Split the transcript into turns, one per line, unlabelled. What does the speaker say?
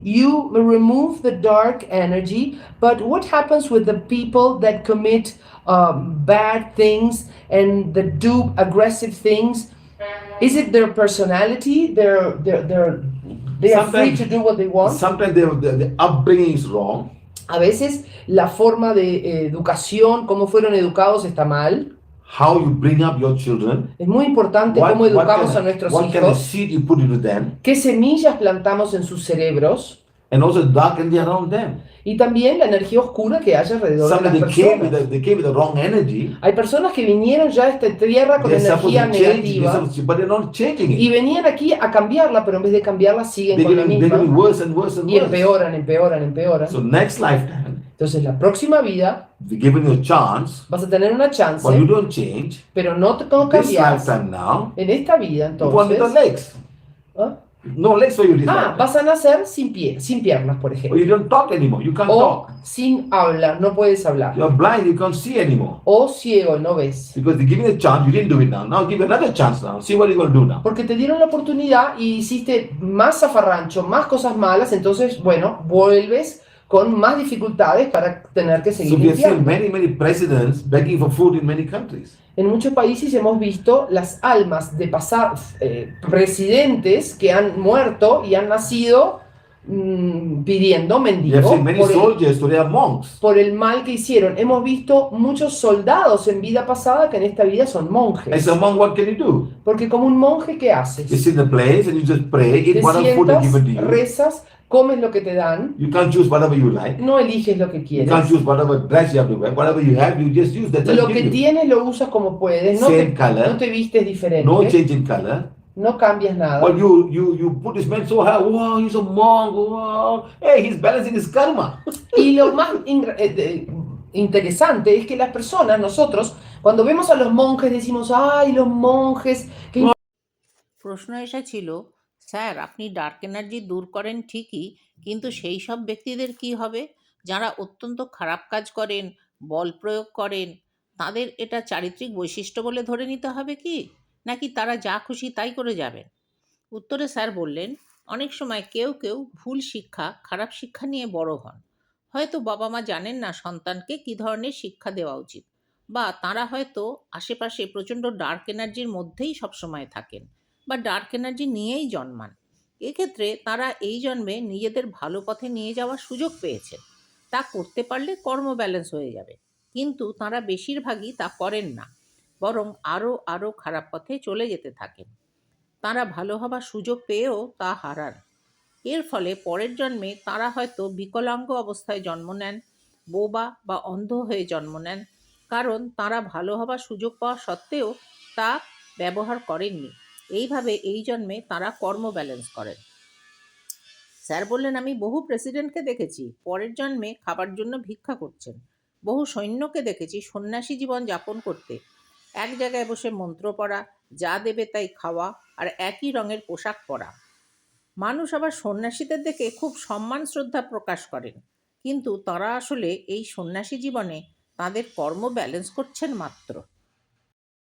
You remove the dark energy, but what happens with the people that commit bad things and that do aggressive things? Is it their personality? They are free
Sometimes,
to do what they want.
sometimes the upbringing is wrong.
A veces la forma de educación, cómo fueron educados, está mal.
How you bring up your children.
Es muy importante cómo educamos a nuestros
what kind of
hijos,
seed you put into them,
qué semillas plantamos en sus cerebros
and also the dark energy around them.
y también la energía oscura que hay alrededor de
Sometimes
las
they came
personas.
they came with the wrong energy.
Hay personas que vinieron ya a esta tierra con
They're supposed
energía
to change,
negativa
but they're not changing
y
it.
venían aquí a cambiarla, pero en vez de cambiarla siguen
They're
con la
getting
misma
worse and worse and
y
worse.
empeoran, empeoran, empeoran.
So next lifetime,
Entonces la próxima vida
if you're given you a chance,
vas a tener una chance,
but you don't change,
pero no
this
cambias.
lifetime now,
En esta vida
you want the
entonces,
legs.
¿ah?
No legs for you this
Ah,
lifetime.
vas a nacer sin sin piernas, por
Or
ejemplo.
you don't talk anymore. You can't
O
talk.
sin habla, no puedes hablar.
You're blind. You can't see anymore.
O ciego, no ves.
Because they're giving you a chance. You didn't do it now. Now give you another chance now. See what you're going to do now.
Porque te dieron la oportunidad y hiciste más zafarrancho, más cosas malas, entonces, bueno, vuelves con más dificultades para tener que
So
seguir
we have seen
limpiando.
many presidents begging for food in many countries.
En muchos países hemos visto las almas de presidentes que han muerto y han nacido pidiendo
We have
mendigo
seen many soldiers today are monks.
por el mal que hicieron. Hemos visto muchos soldados en vida pasada que en esta vida son monjes.
As a monk, what can you do?
Porque como un monje, ¿qué haces?
You sit in the place and you just pray,
Te
eat whatever food they give it to
sientas,
you.
rezas, comes lo que te dan,
You can't choose whatever you like.
no eliges lo que
You
quieres.
can't choose whatever dress you have to wear. Whatever you have, you just use. That's what
Lo
they
que
give you.
tienes lo usas como puedes, no
Same color.
no te vistes diferente,
No change in color.
no cambias nada.
Well, you put this man so high. Wow, he's a monk. Wow. Hey, he's balancing his karma.
Y lo más interesante es que las personas, nosotros, cuando vemos a los monjes decimos, ay, los monjes, qué
প্রশ্ন এসেছিল, sir আপনি dark energy দূর করেন ঠিকই, কিন্তু সেই সব ব্যক্তিদের কি হবে যারা অত্যন্ত খারাপ কাজ করেন, বল প্রয়োগ করেন? তাদের এটা চারিত্রিক বৈশিষ্ট্য বলে ধরে নিতে হবে কি, নাকি তারা যা খুশি তাই করে যাবেন? উত্তরে স্যার বললেন, অনেক সময় কেউ কেউ ভুল শিক্ষা, খারাপ শিক্ষা নিয়ে বড় হন। হয়তো বাবা মা জানেন না সন্তানকে কী ধরনের শিক্ষা দেওয়া উচিত, বা তারা হয়তো আশেপাশে প্রচণ্ড ডার্ক এনার্জির মধ্যেই সবসময় থাকেন, বা ডার্ক এনার্জি নিয়েই জন্মান। এক্ষেত্রে তারা এই জন্মে নিজেদের ভালো পথে নিয়ে যাওয়ার সুযোগ পেয়েছেন। তা করতে পারলে কর্ম ব্যালেন্স হয়ে যাবে, কিন্তু তারা বেশিরভাগই তা করেন না, বরং আরও আরও খারাপ পথে চলে যেতে থাকেন। তারা ভালো হবার সুযোগ পেয়েও তা হারান। এর ফলে পরের জন্মে তারা হয়তো বিকলাঙ্গ অবস্থায় জন্ম নেন, বোবা বা অন্ধ হয়ে জন্ম নেন, কারণ তারা ভালো হবার সুযোগ পাওয়া সত্ত্বেও তা ব্যবহার করেননি। এইভাবে এই জন্মে তারা কর্ম ব্যালেন্স করেন। স্যার বললেন, আমি বহু প্রেসিডেন্টকে দেখেছি পরের জন্মে খাবার জন্য ভিক্ষা করছেন, বহু সৈন্যকে দেখেছি সন্ন্যাসী জীবন যাপন করতে, এক জায়গায় বসে মন্ত্র পড়া, যা দেবে তাই খাওয়া, আর একই রঙের পোশাক পরা। মানুষ আবার সন্ন্যাসীদের দেখে খুব সম্মান শ্রদ্ধা প্রকাশ করেন, কিন্তু তারা আসলে এই সন্ন্যাসী জীবনে তাদের কর্ম ব্যালেন্স করছেন মাত্র।